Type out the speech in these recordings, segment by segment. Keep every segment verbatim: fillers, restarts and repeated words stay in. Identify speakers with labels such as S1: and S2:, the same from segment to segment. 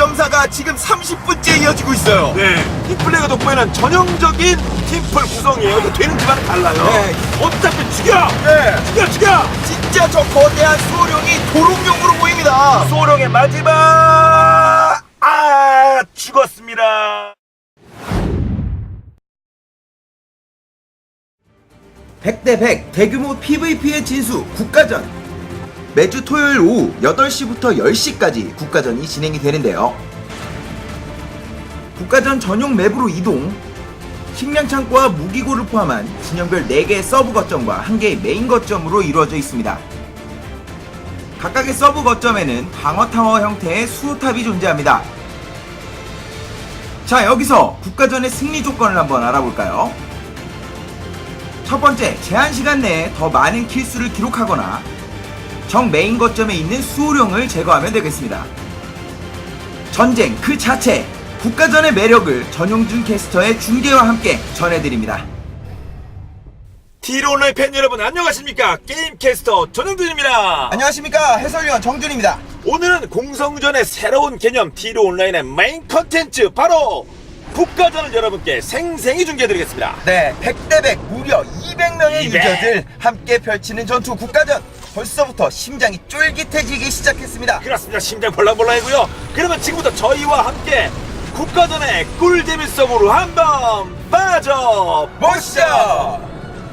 S1: 점 사가 지금 삼십 분째 이어지고 있어요.
S2: 네, 팀플레이가 돋보이는 전형적인 팀플 구성이에요. 이거 되는 집안은 달라요.
S1: 네.
S2: 어차피 죽여!
S1: 네.
S2: 죽여, 죽여!
S1: 진짜 저 거대한 수호령이 도롱뇽으로 보입니다.
S2: 소령의 마지막! 아, 죽었습니다.
S1: 백 대 백 대규모 피브이피의 진수 국가전. 매주 토요일 오후 여덟 시부터 열 시까지 국가전이 진행이 되는데요. 국가전 전용 맵으로 이동, 식량창고와 무기고를 포함한 진영별 네 개의 서브 거점과 한 개의 메인 거점으로 이루어져 있습니다. 각각의 서브 거점에는 방어타워 형태의 수호탑이 존재합니다. 자, 여기서 국가전의 승리 조건을 한번 알아볼까요? 첫 번째, 제한시간 내에 더 많은 킬수를 기록하거나 정 메인 거점에 있는 수호령을 제거하면 되겠습니다. 전쟁 그 자체, 국가전의 매력을 전용준 캐스터의 중계와 함께 전해드립니다.
S2: 티로 온라인 팬 여러분 안녕하십니까? 게임 캐스터 전영준입니다.
S1: 안녕하십니까, 해설위원 정준입니다.
S2: 오늘은 공성전의 새로운 개념 티로 온라인의 메인 컨텐츠 바로 국가전을 여러분께 생생히 중계해드리겠습니다.
S1: 네, 백 대 백 무려 이백 명의
S2: 이백.
S1: 유저들 함께 펼치는 전투 국가전. 벌써부터 심장이 쫄깃해지기 시작했습니다.
S2: 그렇습니다. 심장 벌렁벌렁이고요. 그러면 지금부터 저희와 함께 국가전의 꿀재미 속으로 한번 빠져보시죠.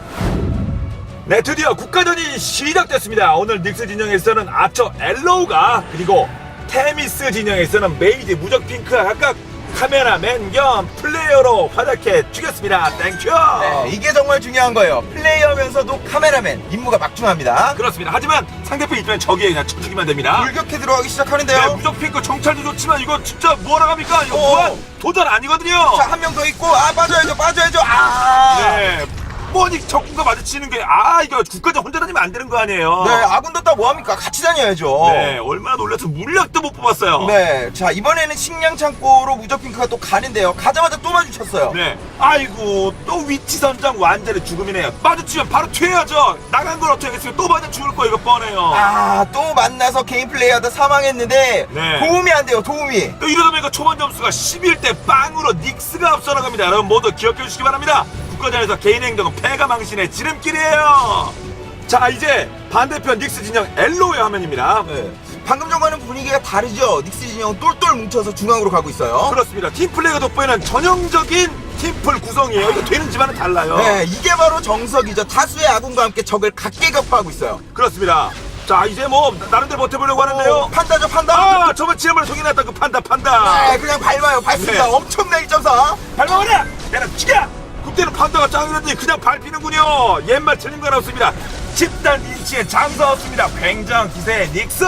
S2: 네, 드디어 국가전이 시작됐습니다. 오늘 닉스 진영에서는 아처 엘로우가, 그리고 테미스 진영에서는 메이지 무적핑크가 각각 카메라맨 겸 플레이어로 활약해 주겠습니다. 땡큐.
S1: 네, 이게 정말 중요한 거예요. 플레이어면서도 카메라맨, 임무가 막중합니다.
S2: 그렇습니다. 하지만 상대편 입장에 적이에 그냥 쳐주기만 됩니다.
S1: 물격해 들어가기 시작하는데요.
S2: 네, 무적핑크 정찰도 좋지만 이거 진짜 뭐하러 갑니까? 이거
S1: 어.
S2: 무한 도전 아니거든요.
S1: 자, 한 명 더 있고, 아, 빠져야죠, 빠져야죠. 아!
S2: 네. 뭐니 적군과 마주치는 게, 아, 이거 국가전 혼자 다니면 안 되는 거 아니에요?
S1: 네, 아군 뒀다 뭐합니까? 같이 다녀야죠.
S2: 네, 얼마나 놀라서 물약도 못 뽑았어요.
S1: 네, 자, 이번에는 식량 창고로 무적핑크가 또 가는데요. 가자마자 또 마주쳤어요.
S2: 네. 아이고, 또 위치 선정 완전히 죽음이네요. 마주치면 바로 튀어야죠. 나간 걸 어떻게 하겠어요? 또 맞아 죽을 거 이거 뻔해요.
S1: 아, 또 만나서 게임 플레이하다 사망했는데
S2: 네.
S1: 도움이 안 돼요, 도움이.
S2: 또 이러다 보니까 초반 점수가 십일 대 빵으로 닉스가 앞서 나갑니다. 여러분 모두 기억해 주시기 바랍니다. 국가전에서 개인 행동은 패가 망신의 지름길이에요. 자, 이제 반대편 닉스 진영 엘로의 화면입니다.
S1: 네. 방금 전과는 분위기가 다르죠. 닉스 진영 똘똘 뭉쳐서 중앙으로 가고 있어요.
S2: 그렇습니다. 팀플레이가 돋보이는 전형적인 팀플 구성이에요. 이거 되는 집안은 달라요.
S1: 네, 이게 바로 정석이죠. 다수의 아군과 함께 적을 각계 격파하고 있어요.
S2: 그렇습니다. 자, 이제 뭐 나름대로 버텨보려고 하는데요.
S1: 어, 판다죠, 판다.
S2: 아, 저번 지난번에 소개났던 그 판다 판다.
S1: 네, 그냥 밟아요, 밟습니다.
S2: 네.
S1: 엄청나게 일 점 사.
S2: 밟아버려! 내가 죽여! 그때는 판다가 짱이라더니 그냥 밟히는군요. 옛말 틀린 건 없습니다. 집단 인치의 장사 없습니다. 굉장한 기세의 닉스.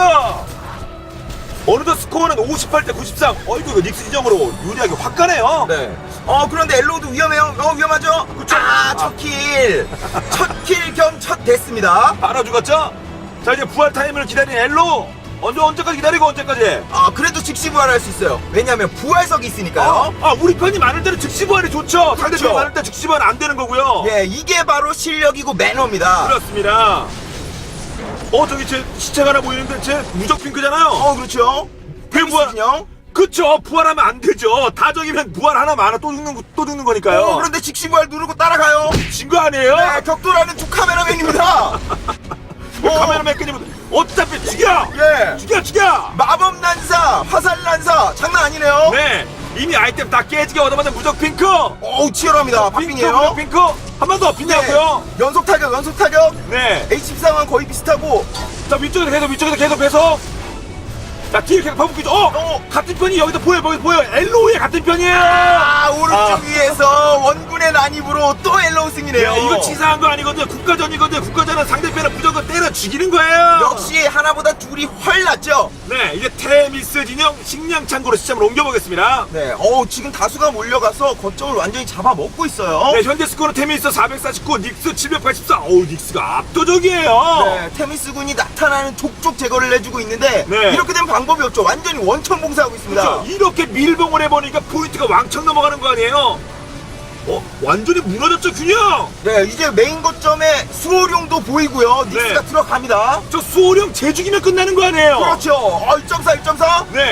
S2: 어느덧 스코어는 오십팔 대 구십삼. 어이구, 이거 닉스 진영으로 유리하게 확 가네요.
S1: 네. 어, 그런데 엘로우도 위험해요. 어, 위험하죠?
S2: 그쵸?
S1: 아, 첫 킬. 첫 킬 겸 첫 됐습니다.
S2: 바로 죽었죠? 자, 이제 부활 타임을 기다린 엘로. 언제, 언제까지 기다리고 언제까지?
S1: 아, 그래도 즉시 부활할 수 있어요. 왜냐하면 부활석이 있으니까요.
S2: 아, 우리 편이 많을 때는 즉시 부활이 좋죠. 상대편이 많을 때 즉시 부활 안 되는 거고요.
S1: 예, 이게 바로 실력이고 매너입니다.
S2: 그렇습니다. 어, 저기 제 시체가 하나 보이는데 제 무적 핑크잖아요.
S1: 어, 그렇죠.
S2: 왜 부활?
S1: 진영.
S2: 그쵸, 부활하면 안 되죠. 다 적이면 부활 하나 많아 또 죽는 거- 또 죽는 거니까요.
S1: 어, 그런데 즉시 부활 누르고 따라가요.
S2: 진 거 아니에요?
S1: 네, 격돌하는 두 카메라맨입니다.
S2: 그
S1: 어.
S2: 카메라맨 끄집어 어차피 죽여.
S1: 예.
S2: 죽여 죽여.
S1: 마법 난사, 화살 난사, 장난 아니네요.
S2: 네, 이미 아이템 다 깨지게 얻어맞은 무적 핑크.
S1: 어우, 치열합니다.
S2: 핑크
S1: 팝핑이에요.
S2: 무적 핑크 한 번 더 핑크하고요.
S1: 연속 타격, 연속 타격.
S2: 네.
S1: 에이치 십삼은 거의 비슷하고.
S2: 자, 위쪽에서 계속 위쪽에서 계속 계속. 자, 뒤에 계속 파묻기죠. 어,
S1: 어.
S2: 같은 편이 여기서 보여 보여 보여. 엘로우의 같은 편이에요.
S1: 아, 오른쪽
S2: 아.
S1: 위에서 원군의 난입으로 또 엘로우 승이네요.
S2: 네, 이거 치사한 거 아니거든요. 국가전이거든요. 국가전은 상대편을 무조건 때려 죽이는 거예요.
S1: 역시 하나보다 둘이 훨 낫죠.
S2: 네, 이제 테미스 진영 식량 창고로 시점을 옮겨보겠습니다.
S1: 네, 어우, 지금 다수가 몰려가서 거점을 완전히 잡아먹고 있어요.
S2: 네, 현재 스코어는 테미스 사백사십구, 닉스 칠백팔십사. 어우, 닉스가 압도적이에요.
S1: 네, 테미스 군이 나타나는 족족 제거를 해주고 있는데
S2: 네.
S1: 이렇게 된 방법이 없죠. 완전히 원천 봉사하고 있습니다.
S2: 그렇죠. 이렇게 밀봉을 해보니까 포인트가 왕창 넘어가는 거 아니에요? 어, 완전히 무너졌죠, 균형?
S1: 네, 이제 메인 거점에 수호룡도 보이고요. 닉스가
S2: 네.
S1: 들어갑니다.
S2: 저 수호령 재죽이면 끝나는 거 아니에요?
S1: 그렇죠. 어, 일 점 사, 일 점 사.
S2: 네.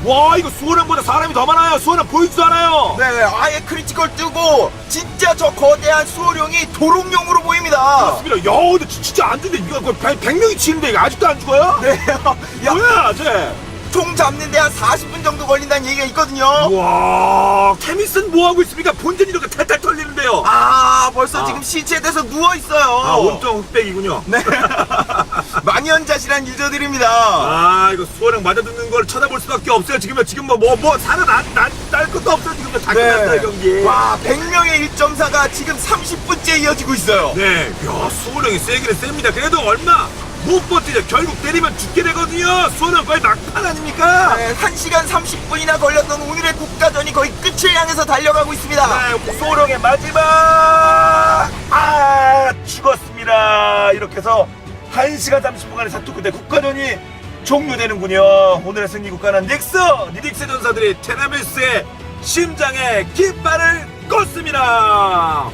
S2: 와 이거 수호령보다 사람이 더 많아요. 수호령 보이지도 않아요.
S1: 네, 아예 크리티컬 뜨고 진짜 저 거대한 수호령이 도롱뇽으로 보입니다.
S2: 그렇습니다. 야 근데 진- 진짜 안 죽네. 이거 거의 백, 백 명이 치는데 이거 아직도 안 죽어요?
S1: 네, 야,
S2: 뭐야 쟤?
S1: 총 잡는데 한 사십 분 정도 걸린다는 얘기가 있거든요.
S2: 와 케미슨 뭐하고 있습니까? 본전이 이렇게 탈탈 털리는데요.
S1: 아, 벌써
S2: 아.
S1: 지금 시체돼서 누워 있어요.
S2: 아 온통 흑백이군요.
S1: 네. 만연자실한 유저들입니다.
S2: 아 이거 수호령 맞아듣는 걸 쳐다볼 수밖에 없어요. 지금 지금 뭐 뭐 뭐 살아날 것도 없어요. 지금 다 끝났다 이 경기.
S1: 네. 와, 백 명의 일 점 사가 지금 삼십 분째 이어지고 있어요.
S2: 네, 야 수호령이 세기는 셉니다. 그래도 얼마 못 버티죠. 결국 때리면 죽게 되거든요. 수호령 거의 막판 아닙니까?
S1: 네, 한 시간 삼십 분이나 걸렸던 오늘의 국가전이 거의 끝을 향해서 달려가고 있습니다.
S2: 네, 수호령의 마지막 아 죽었습니다. 이렇게 해서 한 시간 삼십 분간의 사투 끝에 국가전이 종료되는군요. 오늘의 승리 국가는 닉스! 니닉스 전사들이 테나메스의 심장에 깃발을 껐습니다.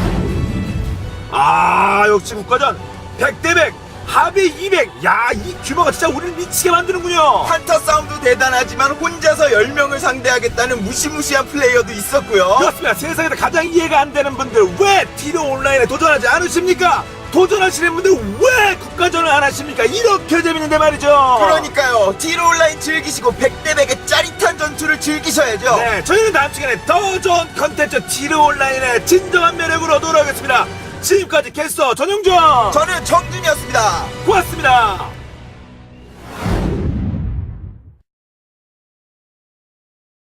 S2: 아 역시 국가전 백 대 백 합의 이백. 야 이 규모가 진짜 우리를 미치게 만드는군요.
S1: 한타 싸움도 대단하지만 혼자서 열 명을 상대하겠다는 무시무시한 플레이어도 있었고요.
S2: 그렇습니다. 세상에서 가장 이해가 안 되는 분들 왜 티로 온라인에 도전하지 않으십니까? 도전하시는 분들 왜 국가전을 안 하십니까? 이렇게 재밌는데 말이죠.
S1: 그러니까요. 티로 온라인 즐기시고 백 대 백의 짜릿한 전투를 즐기셔야죠.
S2: 네, 저희는 다음 시간에 더 좋은 컨텐츠 티로 온라인의 진정한 매력으로 돌아오겠습니다. 지금까지 캐스터 전용준
S1: 저는 정준이었습니다.
S2: 고맙습니다.